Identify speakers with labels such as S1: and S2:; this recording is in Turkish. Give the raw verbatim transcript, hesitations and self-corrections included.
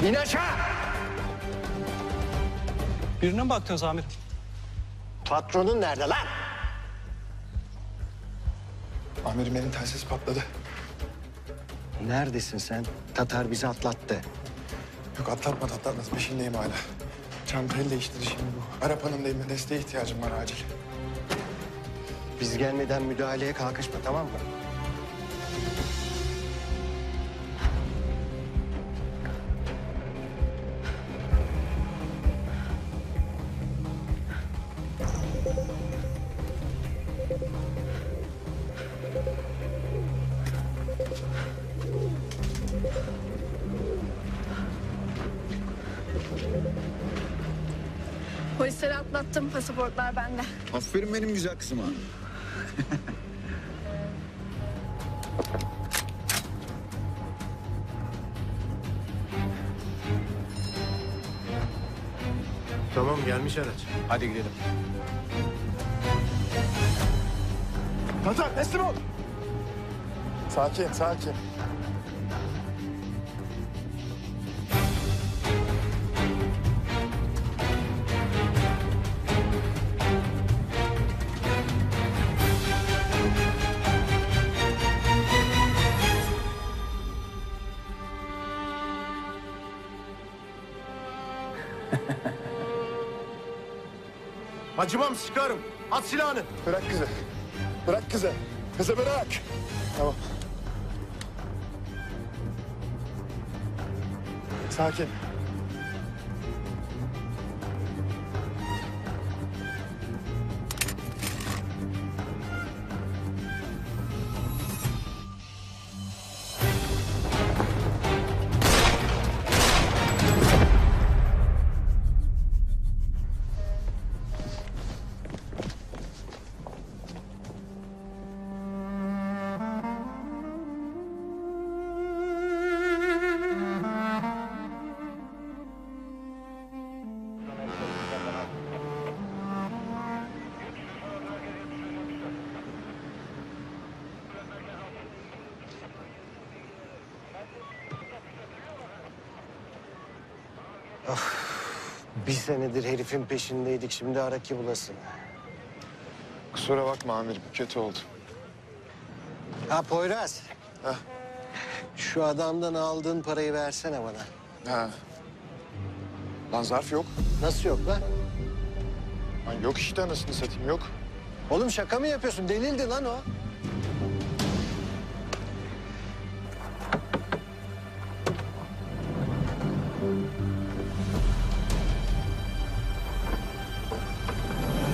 S1: İn aşağı!
S2: Birine mi baktınız amirim?
S1: Patronun nerede lan?
S3: Amirim benim telsiz patladı.
S1: Neredesin sen? Tatar bizi atlattı.
S3: Yok atlatmadı atlatmadı peşindeyim hala. Çantayı değiştirdi şimdi bu. Arap Hanım'dayım, desteğe ihtiyacım var acil.
S1: Biz gelmeden müdahaleye kalkışma, tamam mı?
S4: Polisleri atlattım, pasaportlar bende.
S5: Aferin benim güzel kızıma.
S1: Tamam, gelmiş araç.
S5: Hadi gidelim.
S3: Tatar teslim ol. Sakin sakin.
S1: Acımam, sıkarım. At silahını.
S3: Bırak kızı. Bırak kızı. Kızı bırak. Tamam. Sakin.
S1: Bir senedir herifin peşindeydik, şimdi ara ki bulasın.
S3: Kusura bakma amirim, kötü oldu.
S1: Ha Poyraz.
S3: Heh.
S1: Şu adamdan aldığın parayı versene bana.
S3: Ha. Lan zarf yok.
S1: Nasıl yok lan?
S3: Lan yok işte anasını satayım yok.
S1: Oğlum şaka mı yapıyorsun? Delildi lan o.